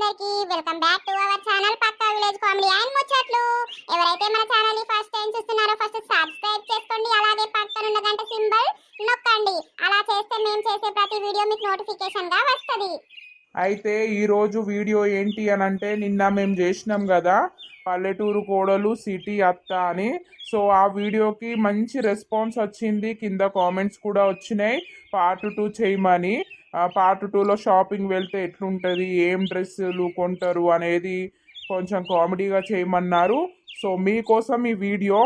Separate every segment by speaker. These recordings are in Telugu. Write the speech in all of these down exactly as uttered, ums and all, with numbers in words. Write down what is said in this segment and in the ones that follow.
Speaker 1: అందరికి welcome back to our channel పక్కా విలేజ్ కామెడీ అండ్ ముచ్చట్లు. ఎవరైతే మన ఛానల్ ని ఫస్ట్ టైం చూస్తున్నారో ఫస్ట్ సబ్స్క్రైబ్ చేసుకోండి, అలాగే పక్కన ఉన్న గంట సింబల్ నొక్కండి. అలా చేస్తే మేము చేసే ప్రతి వీడియో మీకు నోటిఫికేషన్ గా వస్తది.
Speaker 2: అయితే ఈరోజు వీడియో ఏంటి అని అంటే, నిన్న మేము చేసినాం కదా పల్లెటూరు కోడలు సిటీ అత్త అని. సో ఆ వీడియోకి మంచి రెస్పాన్స్ వచ్చింది, కింద కామెంట్స్ కూడా వచ్చినాయి పార్ట్ టూ చేయమని. పార్ట్ టూలో షాపింగ్ వెళ్తే ఎట్లుంటుంది, ఏం డ్రెస్సులు కొంటారు అనేది కొంచెం కామెడీగా చేయమన్నారు. సో మీకోసం ఈ వీడియో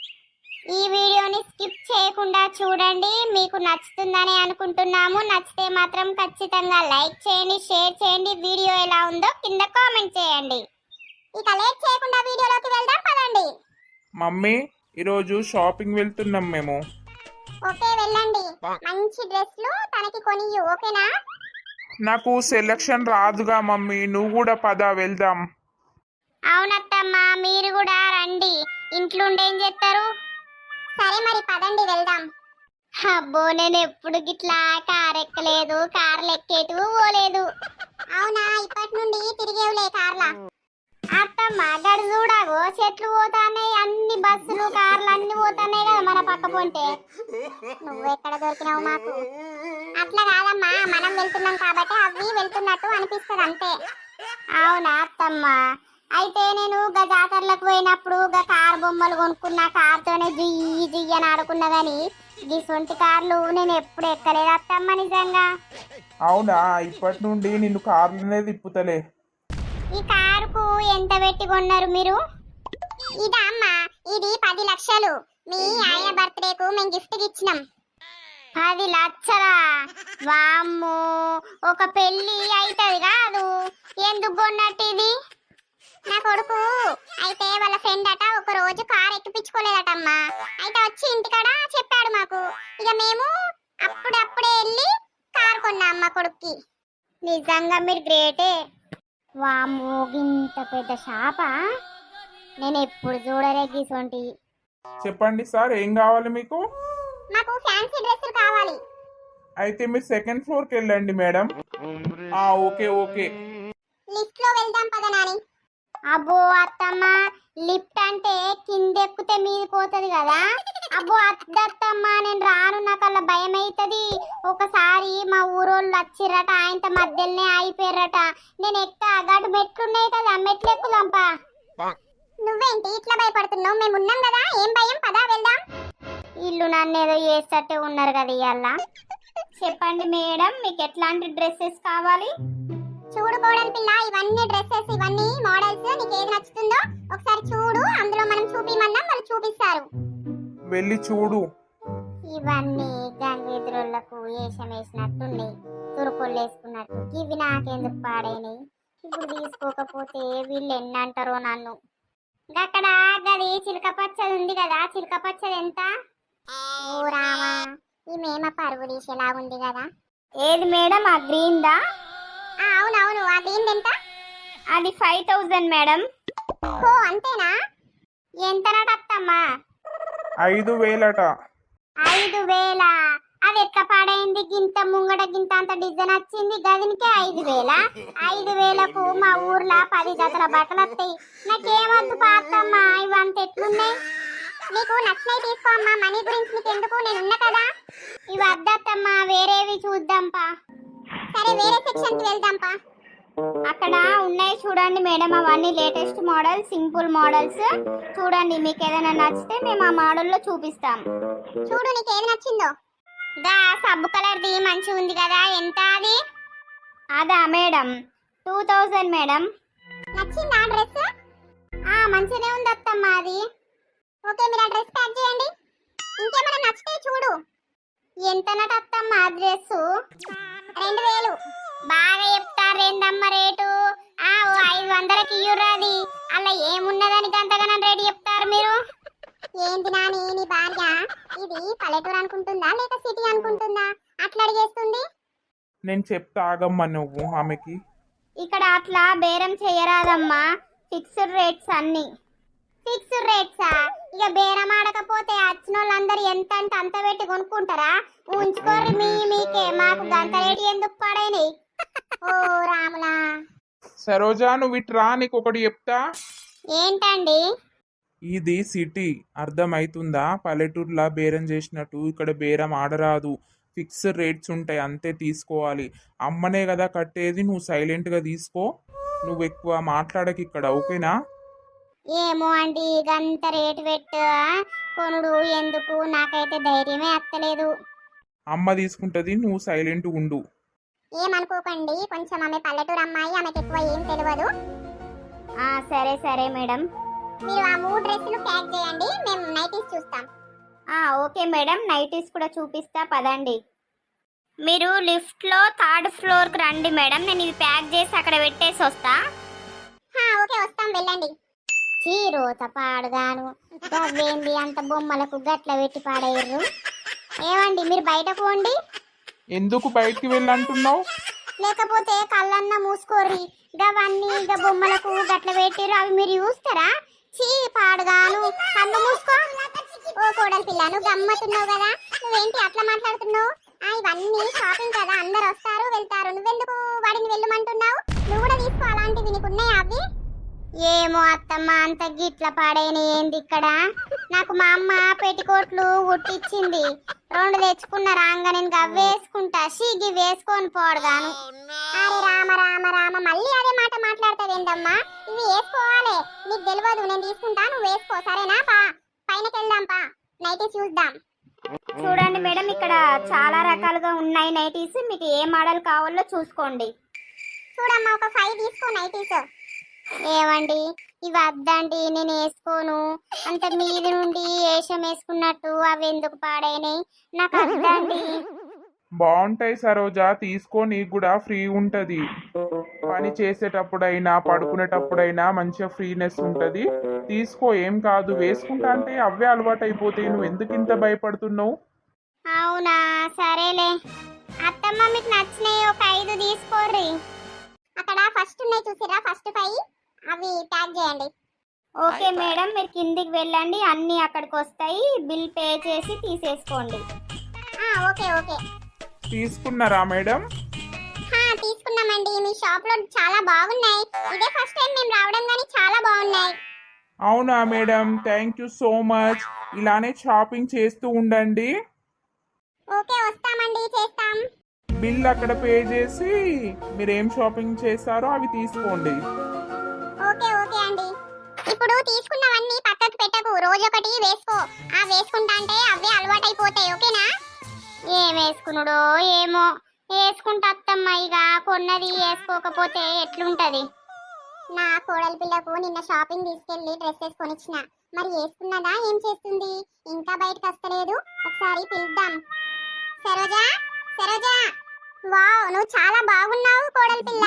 Speaker 1: ఈ వీడియోని స్కిప్ చేయకుండా చూడండి, మీకు నచ్చుతుందని అనుకుంటున్నాము. నచ్చితే మాత్రం ఖచ్చితంగా లైక్ చేయండి, షేర్ చేయండి. వీడియో ఎలా ఉందో కింద కామెంట్ చేయండి. ఇక లేట్ చేయకుండా వీడియోలోకి వెళ్దాం పదండి.
Speaker 2: మమ్మీ ఈరోజు షాపింగ్ వెళ్తున్నాం మేము.
Speaker 1: ఓకే వెళ్ళండి, మంచి డ్రెస్లు తనకి కొనియు, ఓకేనా?
Speaker 2: నాకు సెలక్షన్ రాదుగా మమ్మీ, నువ్వు కూడా పద వెళ్దాం.
Speaker 1: అవునత్తమ్మా, మీరు కూడా రండి, ఇంట్లో ఏం చేస్తారు? సరే మరి పదండి వెళ్దాం. అబ్బో, నేను ఎప్పుడు గిట్లా కార్ ఎక్కలేదు, కార్లు ఎక్కేటు పోలేదు. అవునా, ఇప్పటి నుండి తిరిగేవులే కార్లా. అత్తమ్మ గడు చూడాగో, చెట్లు పోతాన్నాయి, అన్ని బస్సులు కార్లు అన్ని పోతాన్నాయి కదా మన పక్క పొంటే. నువ్వు ఎక్కడ దొరికినావు మాకు? అట్లా కాదమ్మా, మనం వెళ్తున్నాం కాబట్టి అవి వెళ్తున్నట్టు అనిపిస్తుంది అంతే. అవునా అత్తమ్మ, అయితే నేను గా జాతరలకు పోయినప్పుడు గా కార్ బొమ్మలు కొనుక్కున్నా, కార్తోనే జియ్యి జియ్యి అని ఆడుకున్నా కానీ ఈ సొంటి కార్లు నేను ఎప్పుడు ఎక్కలేదు అత్తమ్మ, నిజంగా.
Speaker 2: అవునా, ఇప్పటి నుండి నిన్ను కార్లనే తిప్పుతలే.
Speaker 1: ఈ కారుకు ఎంత పెట్టి కొన్నారు మీరు? ఇదా అమ్మా, ఇది పది లక్షలు. మీ ఆయన బర్త్డేకు మేము గిఫ్ట్ ఇచ్చినాం. పది లక్షలా? వామ్మో, ఒక పెళ్లి అవుతుంది కాదు, ఎందుకు కొన్నట్టు ఇది? నా కొడుకు అయితే వాళ్ళ ఫ్రెండ్ అట ఒక రోజు కార్ ఎక్కిపించుకోలేదటమ్మా. అయితే వచ్చి ఇంటికాడ చెప్పాడు మాకు. ఇక మేము అప్పుడప్పుడే వెళ్ళి కార్ కొన్నాం మా కొడుక్కి. నిజంగా మీరు గ్రేటే. వామ్మో, ఇంత పెద్ద షాపా? నేను ఎప్పుడు చూడలే గీసొంటి.
Speaker 2: చెప్పండి సార్, ఏం కావాలి మీకు?
Speaker 1: నాకు ఫ్యాన్సీ డ్రెస్సులు కావాలి.
Speaker 2: అయితే మీరు సెకండ్ ఫ్లోర్కి వెళ్ళండి మేడం. ఆ ఓకే ఓకే.
Speaker 1: లిఫ్ట్ లో వెళ్దాం పద నాని. అబ్బో అత్తమ్మ, లిఫ్ట్ అంటే కింద ఎక్కితే మీద పోతుంది కదా. అబ్బో అద్దత్తమ్మ, నేను రాను, నాకు అలా భయం అవుతుంది. ఒకసారి మా ఊరోళ్ళు వచ్చిర్రట, ఆయనతో మధ్యలోనే అయిపోయారట. నేను ఎక్క గడు మెట్లున్నాయి కదా, మెట్లు ఎక్కుదాంపా. నువ్వేంటి ఇట్లా భయపడుతున్నావు? మేము ఉన్నాం కదా, ఏం భయం, పదా వెళ్దాం. ఇల్లు నన్ను ఏదో చేస్తట్టే ఉన్నారు కదా ఇవాళ. చెప్పండి మేడం, మీకు ఎట్లాంటి డ్రెస్సెస్ కావాలి? చూడుకోవడం పిల్ల, ఇవన్నీ డ్రెస్సెస్, ఇవన్నీ మోడల్స్, నీకు ఏది నచ్చుతుందో ఒకసారి చూడు, అందులో మనం చూపిమన్నాం, వాళ్ళు చూపిస్తారు.
Speaker 2: వెళ్ళి చూడు.
Speaker 1: ఇవన్నీ గంగెదురులకు వేషం వేసినట్టున్నాయి, తురుకొళ్ళు వేసుకున్నట్టు. ఇవి నాకెందుకు పాడైనాయి? ఇప్పుడు తీసుకోకపోతే వీళ్ళు ఎన్ని అంటారో నన్ను. అక్కడ గది చిలక పచ్చది ఉంది కదా, చిలక పచ్చది ఎంత? ఓ రామా, ఈ మేమ పరుగు తీసేలా ఉంది కదా. ఏది మేడం, ఆ గ్రీన్ దా? అవునవును, ఆ గ్రీన్ ఎంత? అది ఫైవ్ థౌజండ్ మేడం. ఓ అంతేనా? ఎంత నడత్తమ్మా?
Speaker 2: ఐదు వేలట.
Speaker 1: ఐదు వేల? అది ఎట్లా పాడైంది? గింత ముంగట గింత అంత డిజైన్ వచ్చింది, గదినికే ఐదు వేల? ఐదు వేలకు మా ఊర్లో పది జతల బట్టలు వస్తాయి. నాకేమద్దు పాతమ్మా, ఇవంత ఎట్లున్నాయి? నీకు నచ్చినవి తీసుకో అమ్మా, మనీ గురించి నీకు ఎందుకు, నేను ఉన్నా కదా. ఇవి వద్దత్తమ్మా, వేరేవి చూద్దాంపా. సరే వేరే సెక్షన్ కి వెళ్దాంపా. అక్కడ ఉన్నాయి చూడండి మేడం, అవన్నీ లేటెస్ట్ మోడల్, సింపుల్ మోడల్స్. చూడండి, మీకు ఏదైనా నచ్చితే మేము ఆ మోడల్లో చూపిస్తాం. చూడు నీకు ఏది నచ్చిందో. దా సబ్బు కలర్ది మంచిగా ఉంది కదా, ఎంత అది? అదా మేడం, టూ థౌజండ్ మేడం. నచ్చిందా డ్రెస్? ఆ మంచిగానే ఉంది అత్తమ్మ అది. ఓకే, మీరు ఆ డ్రెస్ ప్యాక్ చేయండి. ఇంకేమైనా నచ్చితే చూడు. ఎంత నటత్తమ్మ ఆ డ్రెస్? రెండు వేలు. బాగా చెప్తారు రెండమ్మ రేటు. ఆ ఓ ఐదు వందలకి ఇయ్యురాది, అలా ఏమున్నదని గంతగానం రేటు చెప్తారు మీరు. ఏంటి నాని, నీ భార్య ఇది పల్లెటూరు అనుకుంటుందా లేక సిటీ అనుకుంటుందా అట్లా అడిగేస్తుంది?
Speaker 2: నేను చెప్తా ఆగమ్మా నువ్వు ఆమెకి.
Speaker 1: ఇక్కడ అట్లా బేరం చేయరాదమ్మా, ఫిక్స్డ్ రేట్స్ అన్ని. ఫిక్స్డ్ రేట్సా? ఇక బేరం ఆడకపోతే వచ్చిన వాళ్ళందరూ ఎంత అంటే అంత పెట్టి కొనుక్కుంటారా? ఉంచుకోర్రి మీ మీకే, మాకు గంత రేటు ఎందుకు పడైనాయి? ఓ రాములా.
Speaker 2: సరోజా నువ్వు ఇట్రా, నీకు ఒకటి చెప్తా.
Speaker 1: ఏంటండి?
Speaker 2: ఇది సిటీ, అర్థమవుతుందా? పల్లెటూరులా బేరం చేసినట్టు ఇక్కడ బేరం ఆడరాదు. ఫిక్స్డ్ రేట్స్ ఉంటాయి, అంతే తీసుకోవాలి. అమ్మనే కదా కట్టేది, నువ్వు సైలెంట్గా తీసుకో. నువ్వు ఎక్కువ మాట్లాడకి ఇక్కడ, ఓకేనా?
Speaker 1: ఏమో అండి, గంత రేటు పెట్టు కొనుడు ఎందుకు? నాకైతే ధైర్యమే అత్తలేదు.
Speaker 2: అమ్మ తీసుకుంటుంది, నువ్వు సైలెంట్ ఉండు.
Speaker 1: ఏమనుకోకండి, కొంచెం ఆమె పల్లెటూరు అమ్మాయి, ఆమెకి ఎక్కువ ఏం తెలియదు. సరే సరే మేడం, మీరు ఆ మూడు డ్రెస్సులు ప్యాక్ చేయండి, మేము నైటీస్ చూస్తాం. ఓకే మేడం, నైటీస్ కూడా చూపిస్తా పదండి. మీరు లిఫ్ట్లో థర్డ్ ఫ్లోర్కి రండి మేడం, నేను ఇవి ప్యాక్ చేసి అక్కడ పెట్టేసి వస్తా. ఓకే వస్తాం, వెళ్ళండి. చీరోత పాడుగాను గవ్వేంది అంత బొమ్మలకు గట్ల పెట్టి పాడేయర్రు. ఏమండి మీరు బయటకు పోండి.
Speaker 2: ఎందుకు బయటికి వెళ్ళంటున్నావు?
Speaker 1: లేకపోతే కళ్ళన్న మూసుకోర్రి, గవన్నీ ఇక బొమ్మలకు గట్ల పెట్టిర్రు, అవి మీరు చూస్తారా? చీ పాడుగాను, కన్ను మూసుకో. ఓ కోడలి పిల్ల, నువ్వు గమ్మతున్నావు కదా, నువ్వేంటి అట్లా మాట్లాడుతున్నావు? ఇవన్నీ షాపింగ్ కదా, అందరు వస్తారు వెళ్తారు, నువ్వెందుకు వాడిని వెళ్ళమంటున్నావు? నువ్వు కూడా తీసుకో, అలాంటివి నీకు ఉన్నాయా అవి? ఏమో అత్తమ్మ, అంత గిట్ల పాడైన ఏంది ఇక్కడ? నాకు మా అమ్మ పెట్టికోట్లు కుట్టించింది, రెండు తెచ్చుకున్న రాంగా నేను గవ్వేసుకుంటా, షీగి వేసుకొని పోడగాను. అరే రామ రామ రామ, మళ్ళీ అదే మాట మాట్లాడతావేందమ్మా? ఇవి వేసుకోవాలి, నీకు తెలియదు, నేను తీసుకుంటా, నువ్వు వేసుకో సరేనా? పా పైనకి వెళ్దాం, పా నైటీ చూద్దాం. చూడండి మేడం, ఇక్కడ చాలా రకాలుగా ఉన్నాయి నైటీస్, మీకు ఏ మోడల్ కావాలో చూసుకోండి. చూడమ్మా, ఒక ఫైవ్ తీసుకో నైటీస్. ఏమండి ఇవి వద్దండి, నేను వేసుకోను. అంత మీది నుండి వేషం వేసుకున్నట్టు అవి ఎందుకు పాడైనాయి, నాకు వద్దండి.
Speaker 2: బాగుంటాయి సరోజా, తీసుకో, నీకు కూడా ఫ్రీ ఉంటది. పని చేసేటప్పుడైనా పడుకునేటప్పుడైనా మంచిగా ఫ్రీనెస్ ఉంటది. తీసుకో, ఏం కాదు. వేసుకుంటా అంటే అవే అలవాటు అయిపోతాయి, నువ్వు ఎందుకు ఇంత భయపడుతున్నావు?
Speaker 1: అవునా, సరేలే. అత్తమ్మ మీకు నచ్చినాయి ఒక ఐదు తీసుకోర్రి. అక్కడ ఫస్ట్ ఉన్నాయి చూసిరా, ఫస్ట్ ఫైవ్ అవి ప్యాక్ చేయండి. ఓకే మేడం, మీరు కిందికి వెళ్ళండి, అన్నీ అక్కడికి వస్తాయి, బిల్ పే చేసి తీసేసుకోండి. Okay okay.
Speaker 2: తీసుకున్నారా మేడం?
Speaker 1: తీసుకున్నామండి, మీ షాప్ లో చాలా బాగున్నాయి, ఇదే ఫస్ట్ టైం మేము రావడం కానీ చాలా బాగున్నాయి.
Speaker 2: అవునా madam, thank you so much. ఇలానే షాపింగ్ చేస్తూ ఉండండి.
Speaker 1: ఓకే వస్తామండి, చేస్తాం.
Speaker 2: బిల్ అక్కడ పే చేసి మీరు ఏం షాపింగ్ చేస్తారో అవి తీసుకోండి.
Speaker 1: ఓకే ఓకే అండి. ఇప్పుడు తీసుకున్నవన్నీ పక్కకు పెట్టకు, రోజు ఒకటి వేసుకో. ఆ వేసుకుంటా అంటే అవే అలవాటు అయిపోతాయి, ఓకేనా? ఏం వేసుకున్నాడో ఏమో, వేసుకుంటా అత్తమ్మ, ఇక కొన్నది వేసుకోకపోతే ఎట్లుంటది? నా కోడలి పిల్లకు నిన్న షాపింగ్ తీసుకెళ్లి డ్రెస్సెస్ కొనిచ్చిన, మరి వేసుకున్నదా ఏం చేస్తుంది? ఇంకా బయటకు వస్తలేదు, ఒకసారి పిలుద్దాం. సరోజా సరోజా, వావ్ నువ్వు చాలా బాగున్నావు కోడలి పిల్ల.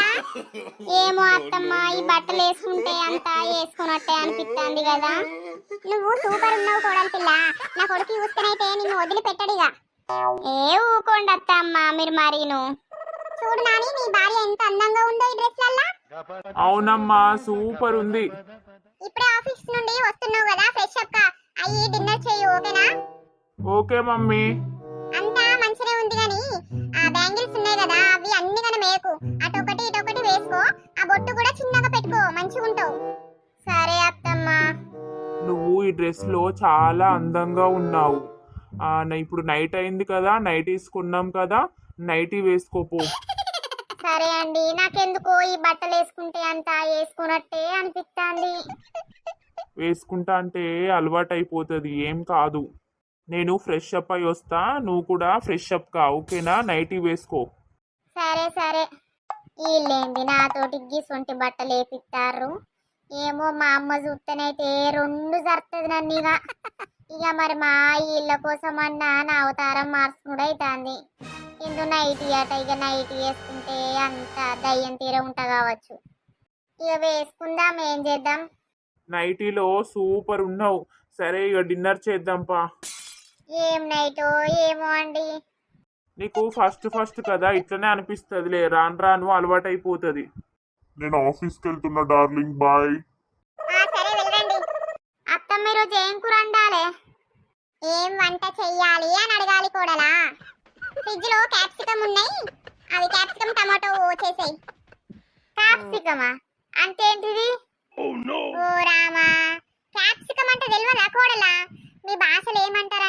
Speaker 1: ఏమో అత్తమ్మ, ఈ బట్టలు వేసుకుంటే అంతా వేసుకున్నట్టే అనిపిస్తుంది కదా. నువ్వు సూపర్ ఉన్నావు కోడలి పిల్ల, నా కొడుకు చూస్తేనైతే నిన్ను వదిలిపెట్టడిగా. ఏ ఊకోండి అత్తమ్మ మీరు మరీను. చూడు నాని, నీ భార్య ఎంత అందంగా ఉందో ఈ డ్రెస్ లల్లా.
Speaker 2: అవునమ్మా, సూపర్ ఉంది.
Speaker 1: ఇప్పుడే ఆఫీస్ నుండి వస్తున్నావు కదా, ఫ్రెష్ అప్ కా అయ్యి డిన్నర్ చెయ్యి, ఓకేనా?
Speaker 2: Okay mummy.
Speaker 1: అంతా మంచిగా ఉంది గాని ఆ బ్యాంగిల్స్ ఉన్నాయి కదా, అవి అన్ని గన మేకు, అటొకటి ఇటొకటి వేసుకో, ఆ బొట్టు కూడా చిన్నగా పెట్టుకో, మంచిగా ఉంటావు. సరే అత్తమ్మ.
Speaker 2: నువ్వు ఈ డ్రెస్ లో చాలా అందంగా ఉన్నావు. ఆ ఇప్పుడు నైట్ అయింది కదా, నైట్ వేసుకున్నాం కదా, నైటీ వేసుకోపో.
Speaker 1: సరే అండి, నాకెందుకో ఈ బట్టలు వేసుకుంటే అంతా వేసుకున్నట్టే అనిపిస్తుంది.
Speaker 2: వేసుకుంటా అంటే అలవాటు అయిపోతుంది, ఏం కాదు. నేను ఫ్రెష్ అప్ అయి వస్తా, నువ్వు కూడా ఫ్రెష్ అప్ కా, ఓకేనా? నైటీ వేసుకో.
Speaker 1: సరే సరే. వీళ్ళేంది నాతోటి గిసొంటి బట్టలు వేపిస్తారు? ఏమో మా అమ్మ చూస్తేనైతే రెండు జరుగుతుంది నన్ను. ఇక ఇక మరి మా ఇళ్ళ కోసం అన్నా నా అవతారం మార్చుకుడు అవుతుంది. ఇందు నైటీ అట, ఇక నైటీ వేసుకుంటే అంత దయ్యం తీర ఉంటా కావచ్చు. ఇక వేసుకుందాం, ఏం చేద్దాం.
Speaker 2: నైటీలో సూపర్ ఉన్నావు. సరే ఇక డిన్నర్ చేద్దాంపా.
Speaker 1: ఏం నైటో ఏమో అండి.
Speaker 2: నీకు ఫస్ట్ ఫస్ట్ కదా ఇట్లనే అనిపిస్తుందిలే, రాను రాను అలవాటు అయిపోతుంది.
Speaker 3: నేను ఆఫీస్కి వెళ్తున్నా డార్లింగ్, బాయ్.
Speaker 1: సరే వెళ్ళండి. అత్తమ్మ ఈరోజు ఏం కూర వండాలి? ఏం వంట చెయ్యాలి అని అడగాలి కూడలా. ఫ్రిడ్జ్ లో క్యాప్సికమ్ ఉన్నాయి, అవి క్యాప్సికమ్ టమాటో చేసేయి. క్యాప్సికమా అంటే ఏంటిది? ఓ రామా, క్యాప్సికం అంటే తెలియదా కోడలా? మీ భాషలో ఏమంటారు